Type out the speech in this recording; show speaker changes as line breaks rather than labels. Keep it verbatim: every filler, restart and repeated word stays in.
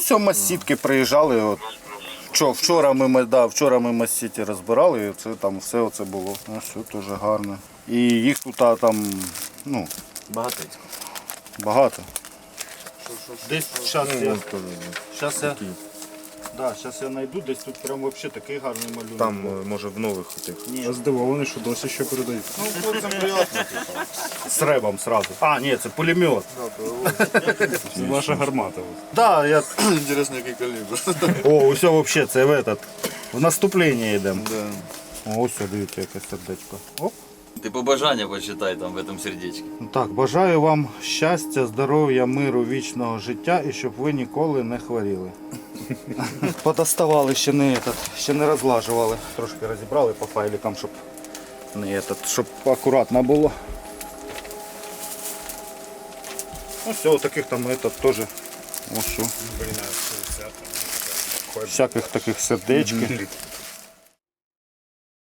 Ось о массітки приїжджали. От. Вчора, вчора ми, да, вчора ми массіті розбирали, і це там все оце було. Ось все дуже гарно. І їх тут а, там, ну,
Багатецько.
багато. Десь зараз я, щас я, да, щас я знайду, десь тут прям вообще такий гарний малюнок.
Там, е, може, в нових тих.
Я здивований, що досі ще передають.
Ну, хлопцям приємно. З ребом сразу. А, ні, це пулемет.
Це ваша гармата.
Да, я...
Інтересно, який калібр.
О, усе вообще, це в этот, в наступлення йдемо.
Да.
О, ось, дивіться, яке сердечко. Оп.
Ты побажання почитай там в этом сердечке.
Ну так, бажаю вам щастя, здоров'я, миру, вічного життя і щоб ви ніколи не хворіли. Подоставали, ще не, этот, ще не розлажували. Трошки розібрали по файликам, щоб не этот, щоб акуратно було. Ну все, таких там этот теж. Ось що. Всяких таких сердечків.